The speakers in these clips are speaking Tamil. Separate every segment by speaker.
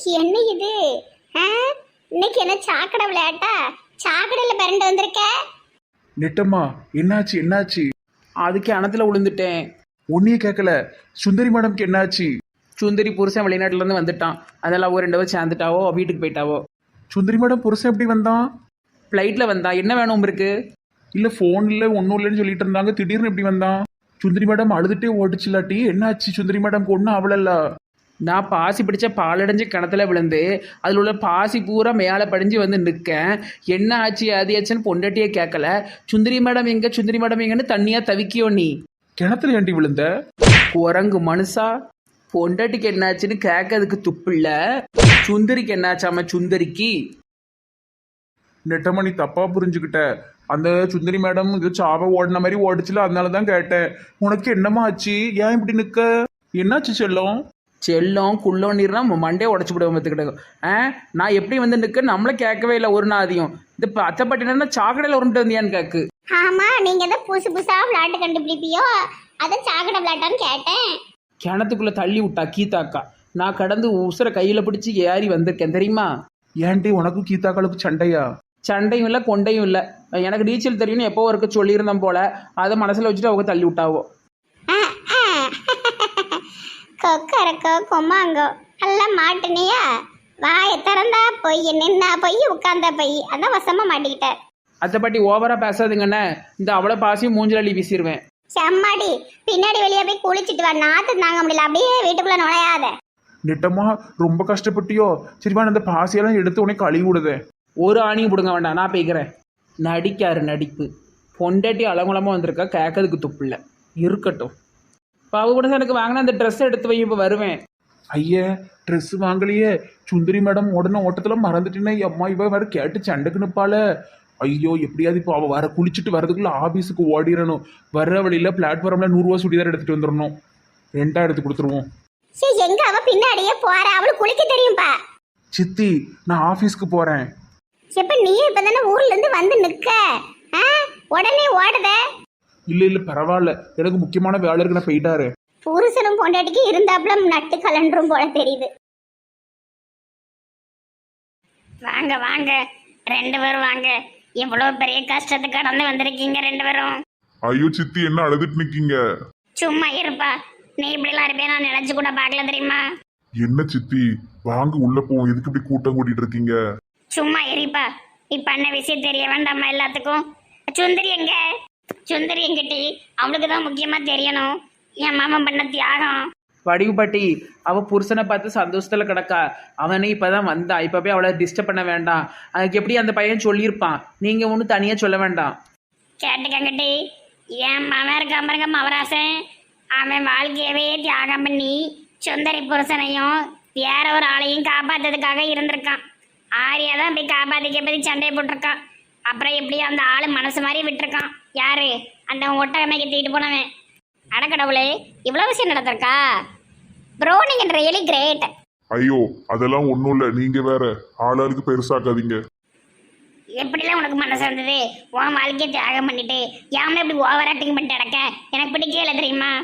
Speaker 1: என்ன இது? ஆ? இன்னைக்கு என்ன சாக்கடை விளையாட்டா? சாக்கடையில பிறண்டு வந்திருக்க?
Speaker 2: நெட்டம்மா, என்னாச்சு என்னாச்சு?
Speaker 3: அதுக்கு அணத்துல விழுந்துட்டேன்.
Speaker 2: ஒன்னையே கேட்கல. சுந்தரி மேடம்க்கு என்னாச்சு?
Speaker 3: சுந்தரி புருஷன் வெளிநாட்டுல இருந்து வந்துட்டான். அதெல்லாம் ஒரு 2 பேர் சேர்ந்துட்டாவோ, வீட்டுக்கு போயிட்டாவோ.
Speaker 2: சுந்தரி மேடம் புருஷன் எப்படி வந்தான்?
Speaker 3: ஃப்ளைட்ல வந்தா. என்ன வேணும் இருக்கு?
Speaker 2: இல்ல போன்ல ஒன்னும் இல்லைன்னு சொல்லிட்டு இருந்தாங்க, திடீர்னு எப்படி வந்தான்? சுந்தரி மேடம் அழுதுட்டே ஓடிச்சுலாட்டி என்னாச்சு? சுந்தரி மேடம்க்கு ஒன்றும் அவளல்ல.
Speaker 3: நான் பாசி பிடிச்ச பாலடைஞ்சு கிணத்துல விழுந்து அதில் உள்ள பாசி பூரா மேலே படிஞ்சு வந்து நிற்கேன். என்ன ஆச்சு அது ஆச்சுன்னு பொண்டாட்டியே கேட்கல. சுந்தரி மேடம் எங்க, சுந்தரி மேடம் எங்கன்னு தண்ணியா தவிக்கியோ நீ.
Speaker 2: கிணத்துல ஏண்டி விழுந்த?
Speaker 3: குரங்கு மனுஷா, பொண்டாட்டிக்கு என்னாச்சுன்னு கேட்கறதுக்கு துப்பில்ல. சுந்தரிக்கு என்னாச்சாம? சுந்தரிக்கு
Speaker 2: நெட்டம்மா, நீ தப்பா புரிஞ்சுக்கிட்ட. அந்த சுந்தரி மேடம் இது சாவ ஓடின மாதிரி ஓடிச்சுல, அதனாலதான் கேட்டேன். உனக்கு என்னம்மா ஆச்சு? ஏன் இப்படி நிக்க? என்னாச்சு செல்லம்?
Speaker 3: செல்லம் குள்ளம் நீர்னா மண்டே உடச்சு விடுவோம் பார்த்துக்கிட்டு. நான் எப்படி வந்து நிற்க நம்மள கேட்கவே இல்லை ஒரு நாதியும். இந்த அத்தைப்பட்டினா சாக்கடையில் உருண்டு வந்தியான்னு கேக்கு.
Speaker 1: ஆமா, நீங்க தான் புதுசு புதுசா விளையாட்டு கண்டுபிடிப்பியோ, அதான் சாக்கடை விளையாட்டான்னு கேட்டேன்.
Speaker 3: கிணத்துக்குள்ள தள்ளி விட்டா கீதாக்கா. நான் கடந்து உசுரை கையில பிடிச்சி ஏறி வந்திருக்கேன் தெரியுமா.
Speaker 2: ஏன்டி உனக்கும் கீதாக்களுக்கு சண்டையா?
Speaker 3: சண்டையும் இல்லை கொண்டையும் இல்லை. எனக்கு நீச்சல் தெரியும்னு எப்போ இருக்க சொல்லியிருந்தேன் போல. அதை மனசில் வச்சுட்டு அவங்க தள்ளி விட்டாவோ.
Speaker 1: கொக்கரக்கோ கொம்மாங்கோ எல்லாம் மாட்டுனியா? வாயை திறந்தா பொய், நின்னா பொய், உட்கார்ந்தா பொய். அதான் வசமா மாட்டிக்கிட்ட.
Speaker 3: அத்தை பாட்டி ஓவரா பேசாதுங்கண்ணே. இந்த அவ்வளோ பாசியும் மூஞ்சில அள்ளி வீசிடுவேன்.
Speaker 1: செம்மாடி, பின்னாடி வெளியே போய் குளிச்சுட்டு வா. நாத்து தாங்க முடியல, அப்படியே வீட்டுக்குள்ள நுழையாத.
Speaker 2: நெட்டம்மா, ரொம்ப கஷ்டப்பட்டியோ? சரிவா, அந்த பாசியெல்லாம் எடுத்து உனக்கு கழுவி விடுதேன்.
Speaker 3: ஒரு ஆணியும் பிடுங்க வேண்டாம், நான் போய்க்கிறேன். நடிக்காரு நடிப்பு. பொண்டாட்டி அலங்குலமாக வந்திருக்கா, கேட்கறதுக்கு துப்பில்லை. இருக்கட்டும். இப்போ அவ கூட எனக்கு வாங்கினா அந்த ட்ரெஸ் எடுத்து வை, இப்போ வருவேன்.
Speaker 2: ஐயே, ட்ரெஸ் வாங்கலையே. சுந்தரி மேடம் உடனே ஓட்டத்துல மறந்துட்டேன்னா அம்மா இவ வேற கேட்டு சண்டைக்கு நிற்பாள. ஐயோ, எப்படியாவது இப்போ அவள் வர குளிச்சுட்டு வரதுக்குள்ள ஆபீஸுக்கு ஓடிடணும். வர்ற வழியில பிளாட்ஃபார்ம்ல 100 ரூபா சுடிதார் எடுத்துட்டு வந்துடணும். ரெண்டா எடுத்து கொடுத்துருவோம்.
Speaker 1: சரி, எங்க அவ பின்னாடியே போற? அவளுக்கு குளிக்க தெரியும்பா.
Speaker 2: சித்தி, நான் ஆபீஸ்க்கு போறேன்.
Speaker 1: எப்ப நீ இப்பதானே ஊர்ல இருந்து வந்து நிக்க, உடனே ஓடுத?
Speaker 2: இல்ல இல்ல பரவாயில்ல, எனக்கு முக்கியமான வேலை இருக்கு, நான் போயிட்டாரு.
Speaker 1: புருஷனும் பொண்டாட்டிக்கு இருந்தாப்புல நட்டு கலண்டும் போல தெரியுது. வாங்க வாங்க, 2 பேரும் வாங்க. இவ்வளவு பெரிய கஷ்டத்தை கடந்து வந்திருக்கீங்க 2 பேரும்.
Speaker 4: ஐயோ சித்தி, என்ன அழுதுட்டு நிக்கீங்க?
Speaker 1: சும்மா இருப்பா, நீ இப்படிலாம் இருப்பே நான் நினைச்சு கூட பார்க்கல தெரியுமா.
Speaker 4: என்ன சித்தி, வாங்க உள்ள போவோம். எதுக்கு இப்படி கூட்டம் கூட்டிட்டு இருக்கீங்க?
Speaker 1: சும்மா இருப்பா, நீ பண்ண விஷயம் தெரிய வேண்டாமா எல்லாத்துக்கும்? சுந்தரி எங்க? சுந்தரி எங்கிட்டி? அவளுக்கு தான் முக்கியமா தெரியணும் என் மாமன் பண்ண தியாகம்.
Speaker 3: வடிவு பாட்டி, அவள் புருஷனை பார்த்து சந்தோஷத்தில் கிடக்கா. அவனே இப்போ தான் வந்தா. இப்போ போய் அவளை டிஸ்டர்ப் பண்ண வேண்டாம். அதுக்கு எப்படி அந்த பையன் சொல்லியிருப்பான், நீங்கள் ஒன்றும் தனியாக சொல்ல வேண்டாம்.
Speaker 1: கேட்டுக்கங்கிட்டி, என் மாமன் இருக்க பாருங்க மவராசன். அவன் வாழ்க்கையவே தியாகம் பண்ணி சுந்தரி புருஷனையும் வேற ஒரு ஆளையும் காப்பாத்துறதுக்காக இருந்திருக்கான். ஆரியா தான் போய் காப்பாத்தி சண்டையை போட்டிருக்கான். அப்புறம் எப்படியும் அந்த ஆளு மனசு மாதிரி விட்டுருக்கான். யாரு? அந்த ஒட்டகமைக்கு தூக்கிட்டு போனவன். அடக்கடவுளே, இவ்வளவு விஷயம் நடந்திருக்கா? ப்ரோ, நீங்க ரியலி கிரேட்.
Speaker 4: ஐயோ, அதெல்லாம் ஒண்ணும் இல்ல. நீங்க வேற ஆளாளுக்கு பெருசாக்காதீங்க.
Speaker 1: எப்படிலாம் உனக்கு மனசு வந்தது? உன் வாழ்க்கையை தியாகம் பண்ணிட்டு யாமே இப்படி ஓவர் ஆக்டிங் பண்ணிட்டு அடக்க எனக்கு பிடிக்கல தெரியுமா.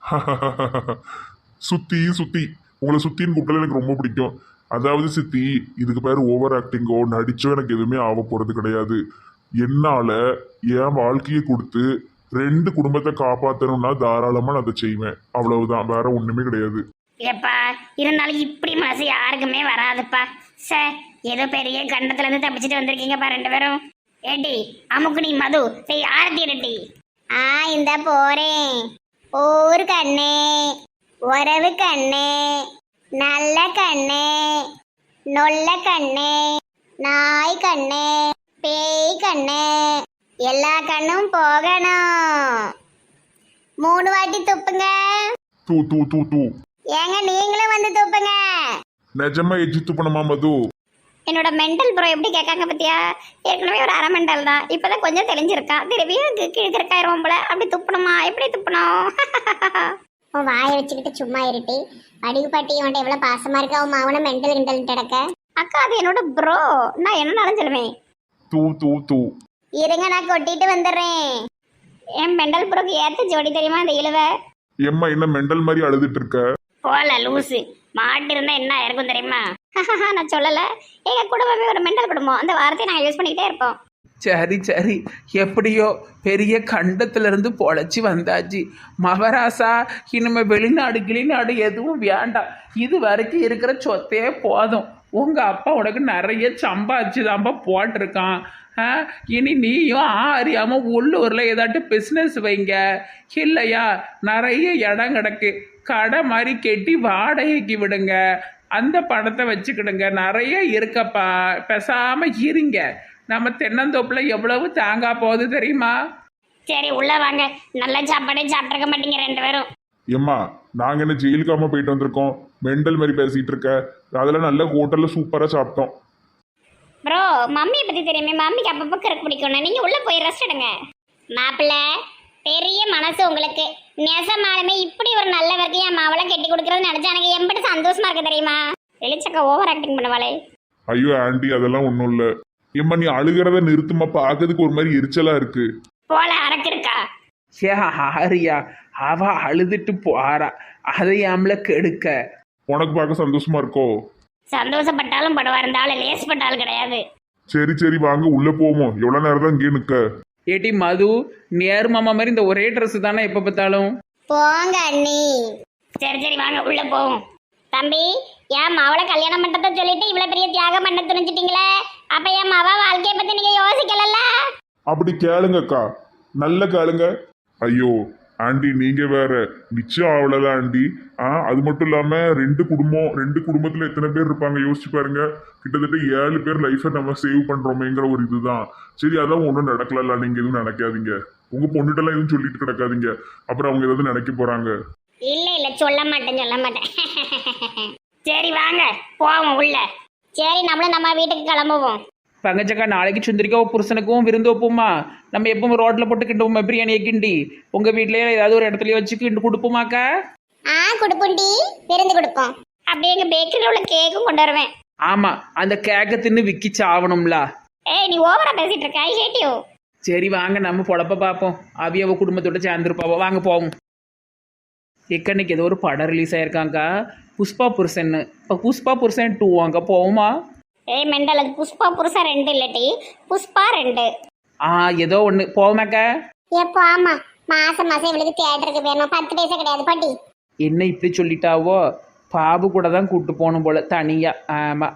Speaker 4: சுத்தி சுத்தி உங்களை சுத்தின்னு கூப்பிட்டல எனக்கு ரொம்ப பிடிக்கும். அதாவது சித்தி, இதுக்கு பேர் ஓவர் ஆக்டிங்கோ நடிச்சோ எனக்கு எதுவுமே ஆக போறது கிடையாது. என்னால என் வாழ்க்கையை கொடுத்து 2 குடும்பத்தை காப்பாற்றணும்னா தாராளமா நான் அதை செய்வேன். அவ்வளவுதான், வேற ஒண்ணுமே கிடையாது.
Speaker 1: ஏப்பா, இருந்தாலும் இப்படி மனசு யாருக்குமே வராதுப்பா. சார், ஏதோ பெரிய கண்டத்துல இருந்து தப்பிச்சுட்டு வந்திருக்கீங்கப்பா 2 பேரும். ஏட்டி அமுக்கு, நீ மது செய் ஆரத்தி ரெட்டி. இந்த போறேன். ஊர் கண்ணே, உறவு கண்ணே, நல்ல கண்ணே, நொல்ல கண்ணே, நாய் கண்ணே, பேய் கண்ணே, எல்லா கண்ணும் போகணும். 3 வாட்டி துப்புங்க.
Speaker 4: தூ தூ தூ தூ.
Speaker 1: ஏங்க நீங்களும் வந்து துப்புங்க.
Speaker 4: நிஜமா எஜ்ஜி துப்பணுமா மது?
Speaker 1: என்னோட மெண்டல் ப்ரோ எப்படி கேட்காங்க பத்தியா? ஏற்கனவே ஒரு அரை மெண்டல் தான், இப்பதான் கொஞ்சம் தெளிஞ்சிருக்கான். திருப்பியும் கிழக்கிருக்காயிரும் போல. அப்படி துப்பணுமா? எப்படி துப்பணும்? உன் வாயை வச்சுக்கிட்டு சும்மா இருட்டி. வடிவு பாட்டி உன்ட்ட எவ்வளவு பாசமா இருக்கா. உன் மாவன மெண்டல் கிண்டல் கிடக்க. அக்கா, அது என்னோட ப்ரோ, நான் என்னன்னாலும் சொல்லுவேன்.
Speaker 4: தூ தூ தூ.
Speaker 1: இருங்க, நான் கொட்டிட்டு வந்துடுறேன். என் மெண்டல் ப்ரோக்கு ஏத்த ஜோடி தெரியுமா அந்த இழுவ?
Speaker 4: எம்மா, என்ன மெண்டல் மாதிரி அழுதுட்டு இருக்க?
Speaker 1: போல லூசு மாட்டு இருந்தா என்ன இருக்கும் தெரியுமா? நான் சொல்லல. எங்க குடும்பமே ஒரு மெண்டல் குடும்பம். அந்த வார்த்தையை நாங்கள் யூஸ் பண்ணிக்கிட்டே இருப்போம்.
Speaker 3: சரி சரி, எப்படியோ பெரிய கண்டத்திலிருந்து பொழைச்சி வந்தாச்சு. மகராசா, இனிமே வெளிநாடு கிளிநாடு எதுவும் வேண்டாம். இது வரைக்கும் இருக்கிற சொத்தே போதும். உங்கள் அப்பா உனக்கு நிறைய சம்பாதிச்சுதான்பா போட்டிருக்கான். இனி நீயும் அறியாமல் உள்ளூரில் ஏதாட்டும் பிஸ்னஸ் வைங்க. இல்லையா, நிறைய இடம் கிடக்கு, கடை மாதிரி கெட்டி வாடகைக்கு விடுங்க. அந்த பணத்தை வச்சுக்கிடுங்க. நிறைய இருக்கப்பா, பேசாமல் இருங்க. நம்ம தென்னந்தோப்பில் எவ்வளவு தேங்காய் போகுது தெரியுமா?
Speaker 1: சரி உள்ள வாங்க. நல்ல சாப்பாடே சாப்பிட்ருக்க மாட்டீங்க ரெண்டு பேரும்.
Speaker 4: ஏம்மா நாங்கள் என்ன ஜெயிலுக்காம போயிட்டு வந்திருக்கோம்? மெண்டல் மாதிரி பேசிகிட்டு இருக்க. அதெல்லாம் நல்ல ஹோட்டலில் சூப்பராக சாப்பிட்டோம்.
Speaker 1: ப்ரோ, மம்மியை பற்றி தெரியுமே. மம்மிக்கு அப்பப்போ கருக்கு பிடிக்கணும். நீங்கள் உள்ளே போய் ரெஸ்ட் எடுங்க. மாப்பிள்ள, பெரிய மனசு உங்களுக்கு. நெசமாலுமே இப்படி ஒரு நல்லவருக்கு என் மாவளை கெட்டி கொடுக்குறதுன்னு நினச்சா எனக்கு எம்பிட்டு சந்தோஷமா இருக்கு தெரியுமா? எலிச்சக்கா ஓவர் ஆக்டிங் பண்ணுவாளே.
Speaker 4: ஐயோ ஆண்டி, அதெல்லாம் ஒன்றும் இல்லை. ஏம்மா நீ அழுகிறத நிறுத்துமா, பார்க்கறதுக்கு ஒரு மாதிரி எரிச்சலாக இருக்கு.
Speaker 1: போல அரக்கு இருக்கா?
Speaker 3: ஏ ஆரியா, அவ அழுதுட்டு போறா, அதை ஆம்பளை கெடுக்க.
Speaker 4: உனக்கு பார்க்க சந்தோஷமா இருக்கோ?
Speaker 1: சந்தோஷப்பட்டாலும் படுவா, இருந்தாலும் லேசப்பட்டாலும் கிடையாது.
Speaker 4: சரி சரி வாங்க உள்ள போவோம். எவ்வளவு நேரம் தான் இங்கே நிக்க?
Speaker 3: ஏட்டி மது, நேரு மாமா மாதிரி இந்த ஒரே ட்ரெஸ் தானே எப்போ பார்த்தாலும்.
Speaker 1: போங்க அண்ணி. சரி சரி வாங்க உள்ள போவோம். தம்பி, என் மாவளை கல்யாணம் பண்றத சொல்லிட்டு இவ்வளவு பெரிய தியாகம் பண்ண துணிஞ்சிட்டீங்களே, அப்ப என் மாவ வாழ்க்கைய பத்தி நீங்க யோசிக்கலல்ல?
Speaker 4: அப்படி கேளுங்கக்கா, நல்ல கேளுங்க. ஐயோ ஆண்டி, நீங்க வேற நிச்சயம் அவ்வளவுதான் ஆண்டி. அது மட்டும் இல்லாம ரெண்டு குடும்பத்துல எத்தனை பேர் இருப்பாங்க யோசிச்சு பாருங்க. கிட்டத்தட்ட 7 பேர் லைஃபை நம்ம சேவ் பண்றோமேங்கிற ஒரு இதுதான். சரி, அதான் ஒன்றும் நடக்கல. நீங்க எதுவும் நினைக்காதீங்க. உங்க பொண்ணுட்டெல்லாம் எதுவும் சொல்லிட்டு கிடக்காதீங்க. அப்புறம் அவங்க ஏதாவது நினைக்க போறாங்க.
Speaker 1: இல்ல இல்ல, சொல்ல மாட்டேன். சரி வாங்க போவோம் உள்ள. சரி, நம்மளும் நம்ம வீட்டுக்கு கிளம்புவோம்.
Speaker 3: பங்கச்சக்கா, நாளைக்கு சுந்தரிக்காவும் புருஷனுக்கும் விருந்து வைப்போமா? நம்ம எப்பவும் ரோட்டில் போட்டு கிண்டுவோமா பிரியாணியை கிண்டி? உங்கள் வீட்லேயே ஏதாவது ஒரு இடத்துல வச்சு கிண்டு கொடுப்போமாக்கா?
Speaker 1: கொடுப்போண்டி, விருந்து கொடுப்போம். அப்படியே எங்க பேக்கரியில் உள்ள கேக்கும் கொண்டு வருவேன்.
Speaker 3: ஆமாம், அந்த கேக்கை தின்னு விக்கி சாவணும்ல.
Speaker 1: ஏய், நீ ஓவரா பேசிட்டு இருக்க. I hate you.
Speaker 3: சரி வாங்க, நம்ம பொழப்ப பார்ப்போம். அவியவ குடும்பத்தோட சேர்ந்துருப்பாவோ. வாங்க போவோம். எக்கன்னைக்கு ஏதோ ஒரு படம் ரிலீஸ் ஆயிருக்காங்கக்கா, புஷ்பா புருஷன். இப்போ புஷ்பா புருஷன் 2 வாங்க போவோமா?
Speaker 1: ஏய் மெண்டல், அது புஷ்பா புருஷா 2 இல்லட்டி, புஷ்பா 2.
Speaker 3: ஏதோ ஒன்று போவோமாக்கா?
Speaker 1: எப்போ? ஆமா, மாசம் இவளுக்கு தியேட்டருக்கு போயணும். 10 பைசா கிடையாது பாட்டி.
Speaker 3: என்ன இப்படி சொல்லிட்டாவோ? பாபு கூட தான் கூப்பிட்டு போகணும் போல தனியா. ஆமாம்,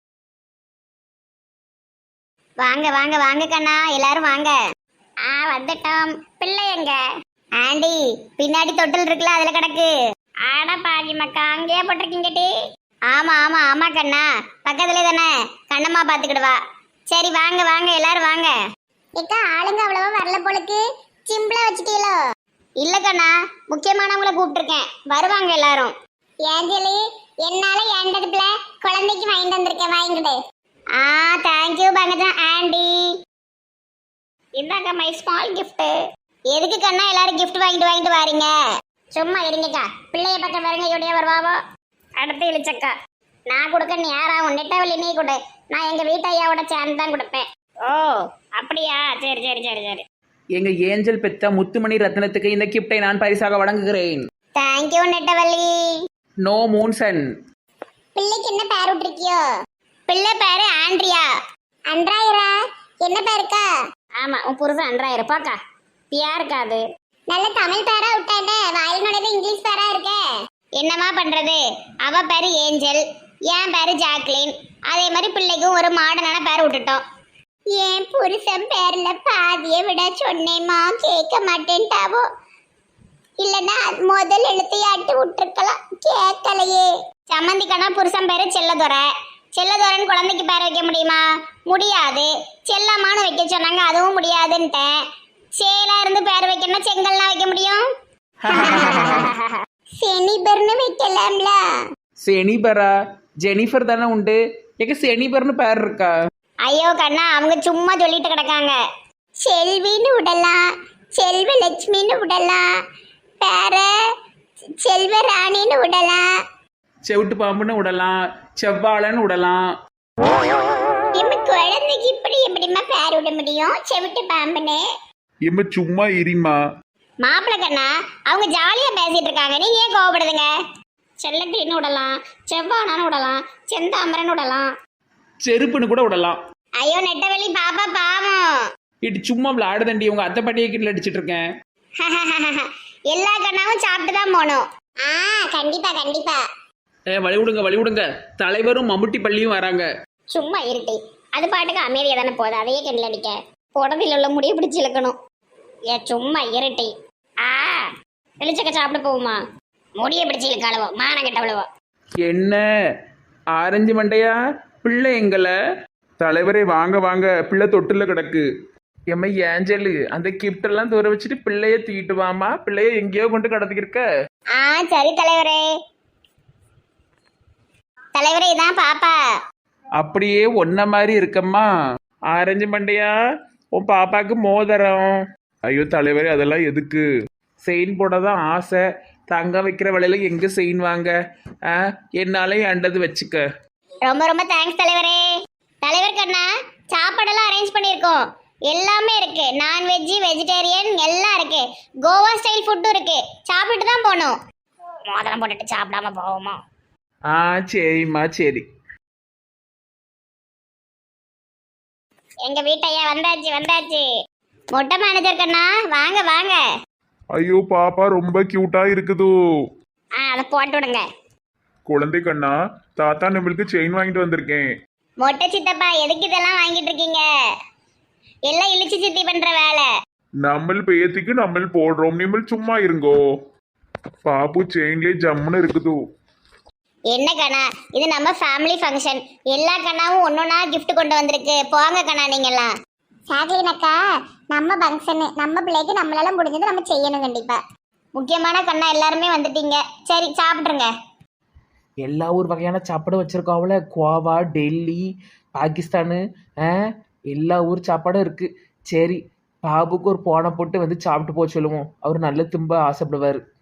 Speaker 1: வாங்க வாங்க வாங்க கண்ணா, எல்லாரும் வாங்க. வந்துட்டோம். பிள்ளை எங்க? ஆண்டி, பின்னாடி தொட்டில் இருக்குல்ல, அதுல கிடக்கு. ஆடா பாதி மக்கா, அங்கேயே போட்டிருக்கீங்கட்டி. ஆமா ஆமா ஆமா கண்ணா, பக்கத்துல தானே, கண்ணம்மா பாத்துக்கிடுவா. சரி வாங்க வாங்க எல்லாரும் வாங்க. ஏக்கா, ஆளுங்க அவ்வளவா வரல போலுக்கு. சிம்பிளா வச்சுட்டீங்களோ? இல்ல கண்ணா, முக்கியமானவங்கள கூப்பிட்டுருக்கேன், வருவாங்க எல்லாரும். ஏஞ்சலி, என்னால ஏண்டதுல குழந்தைக்கு வாங்கிட்டு வந்திருக்கேன், வாங்கிட்டு. Thank you Pankaja aunty. இந்தாங்க மை ஸ்மால் கிஃப்ட். எதுக்கு கண்ணா எல்லாரும் கிஃப்ட் வாங்கிட்டு வாரீங்க? சும்மா இருங்கக்கா, பிள்ளைய பக்கம் பாருங்க, எப்படியா வருவாவோ. அடுத்து இழிச்சக்கா, நான் கொடுக்க நேரம் நெட்டவழி நீ கொடு. நான் எங்க வீட்டு ஐயாவோட சேர்ந்து தான் கொடுப்பேன். ஓ அப்படியா? சரி சரி சரி சரி.
Speaker 3: எங்க ஏஞ்சல் பெத்த முத்துமணி ரத்னத்துக்கு இந்த கிஃப்டை நான் பரிசாக வழங்குகிறேன்.
Speaker 1: தேங்க்யூ நெட்டவள்ளி.
Speaker 3: நோ மூன்சன்.
Speaker 1: பிள்ளைக்கு என்ன பேர் விட்டுருக்கியோ? பிள்ளை பேரு ஆண்ட்ரியா. அன்றாயிரா? என்ன பேருக்கா? ஆமா, உன் புருஷன் அன்றாயிரு. பாக்கா பியாருக்கா? அது நல்ல தமிழ் பேரா விட்டாண்ட, வாயில் நுழைவு இங்கிலீஷ் பேரா இருக்க. என்னமா பண்றது? அவ பேரு ஏஞ்சல், என் பேரு ஜாக்லின். அதே மாதிரி பிள்ளைக்கும் ஒரு மாடர்னான பேர் விட்டுட்டோம். என் புருஷன் பேர்ல பாதியை விட சொன்னேமா, கேட்க மாட்டேன்ட்டாவோ. இல்லன்னா முதல் எழுத்தையாட்டு விட்டுருக்கலாம், கேட்கலையே. சம்மந்திக்கான புருஷன் பேரு செல்லதுரை. செல்லதுரைன்னு குழந்தைக்கு பேர் வைக்க முடியுமா? முடியாது. செல்லம்மான்னு வைக்க சொன்னாங்க, அதுவும் முடியாதுன்ட்டேன். சேலா இருந்து பேர் வைக்கணும்னா செங்கல்னா வைக்க முடியும். செனிபர்னு வைக்கலாம்ல.
Speaker 3: செனிபரா? ஜெனிஃபர் தானே உண்டு. எங்க செனிபர்னு பேர் இருக்கா?
Speaker 1: ஐயோ கண்ணா, அவங்க சும்மா சொல்லிட்டு கிடக்காங்க. செல்வின்னு விடலாம், செல்வலட்சுமின்னு விடலாம், பேர செல்வராணின்னு விடலாம்,
Speaker 3: செவிட்டு பாம்புன்னு விடலாம், செவ்வாழைன்னு விடலாம்.
Speaker 1: குழந்தைக்கு இப்படி எப்படிமா பேர் விட முடியும்? செவிட்டு பாம்புன்னு.
Speaker 2: எம்ம சும்மா இருமா.
Speaker 1: மாப்பிள்ள கண்ணா, அவங்க ஜாலியா பேசிட்டு இருக்காங்க, நீங்க ஏன் கோவப்படுதுங்க? செல்லக்கிளின்னு விடலாம், செவ்வானான்னு விடலாம், செந்தாமரன்னு விடலாம்.
Speaker 3: செருப்புன்னு கூட விடலாம்.
Speaker 1: ஐயோ நெட்டவெளி பாப்பா பாவம்.
Speaker 3: இட்டு சும்மா விளையாடுதண்டி, உங்க அத்தை பாட்டியை கிட்ட அடிச்சிட்டு இருக்கேன்.
Speaker 1: எல்லா கண்ணாவும் சாப்பிட்டு தான் போகணும். கண்டிப்பா கண்டிப்பா.
Speaker 3: வழி விடுங்க வழி விடுங்க, தலைவரும் மம்முட்டி பள்ளியும் வராங்க.
Speaker 1: சும்மா இருட்டி, அது பாட்டுக்கு அமைதியா தானே போகுது, அதையே கிண்டல் அடிக்க. புடவையில் உள்ள முடிய பிடிச்சி இழுக்கணும். சும்மா இருட்டி. வெளிச்சக்க சாப்பிட போகுமா? முடிய பிடிச்சி இழுக்காளவோ, மானம் கெட்டவளவோ.
Speaker 3: என்ன ஆரஞ்சு மண்டையா, பிள்ளை எங்களை?
Speaker 2: தலைவரே வாங்க வாங்க, பிள்ளை தொட்டில கிடக்கு.
Speaker 3: எம்மை ஏஞ்சலு, அந்த கிஃப்ட் எல்லாம் தூர வச்சுட்டு பிள்ளைய தூக்கிட்டு வாமா. பிள்ளைய எங்கேயோ கொண்டு கடத்திக்கிருக்க.
Speaker 1: சரி தலைவரே. தலைவரே இதான் பாப்பா.
Speaker 3: அப்படியே ஒன்ன மாதிரி இருக்கம்மா. ஆரஞ்சு மண்டையா, உன் பாப்பாக்கு மோதிரம்.
Speaker 2: ஐயோ தலைவரே, அதெல்லாம் எதுக்கு?
Speaker 3: செயின் போட தான் ஆசை. தங்கம் வைக்கிற வேலையில எங்க செயின் வாங்க? என்னாலையும் அண்டது வச்சுக்க.
Speaker 1: ரொம்ப ரொம்ப தேங்க்ஸ் தலைவரே. தலைவர் கண்ணா, சாப்பாடெல்லாம் அரேஞ்ச் பண்ணியிருக்கோம். எல்லாமே இருக்கு, நான்வெஜ் வெஜிடேரியன் எல்லாம் இருக்கு. கோவா ஸ்டைல் ஃபுட்டும் இருக்கு. சாப்பிட்டு தான் போகணும். மோதிரம் போட்டுட்டு சாப்பிடாம போவோமா?
Speaker 3: சரிம்மா சரி.
Speaker 1: எங்க வீட்டையா வந்தாச்சு வந்தாச்சு. மொட்டை மேனேஜர் கண்ணா வாங்க வாங்க.
Speaker 4: ஐயோ பாப்பா ரொம்ப கியூட்டா இருக்குது.
Speaker 1: அதை போட்டு விடுங்க.
Speaker 2: குழந்தை கண்ணா, தாத்தா நம்மளுக்கு செயின் வாங்கிட்டு வந்திருக்கேன்.
Speaker 1: மொட்டை சித்தப்பா எதுக்கு இதெல்லாம் வாங்கிட்டு இருக்கீங்க? எல்லாம் இழிச்சு சித்தி பண்ற வேலை.
Speaker 2: நம்ம பேத்திக்கு நம்ம போடுறோம், நீங்கள் சும்மா இருங்கோ. பாப்பு செயின்லேயே ஜம்முன்னு இருக்குது.
Speaker 1: என்ன கண்ணா, இது நம்ம ஃபேமிலி ஃபங்க்ஷன். எல்லா கண்ணாவும் ஒன்னொன்னா gift கொண்டு வந்திருக்கு. போங்க கண்ணா நீங்கெல்லாம். சாக்லின் அக்கா, நம்ம ஃபங்க்ஷன், நம்ம பிள்ளைக்கு நம்மளால முடிஞ்சது நம்ம செய்யணும் கண்டிப்பா. முக்கியமான கண்ணா எல்லாருமே வந்துட்டீங்க. சரி சாப்பிட்ருங்க.
Speaker 3: எல்லா ஊர் வகையான சாப்பாடும் வச்சுருக்கோம்ல. கோவா, டெல்லி, பாகிஸ்தானு, எல்லா ஊர் சாப்பாடும் இருக்குது. சரி, பாபுக்கு ஒரு போனை போட்டு வந்து சாப்பிட்டு போக சொல்லுவோம். அவர் நல்ல தும்ப ஆசைப்படுவார்.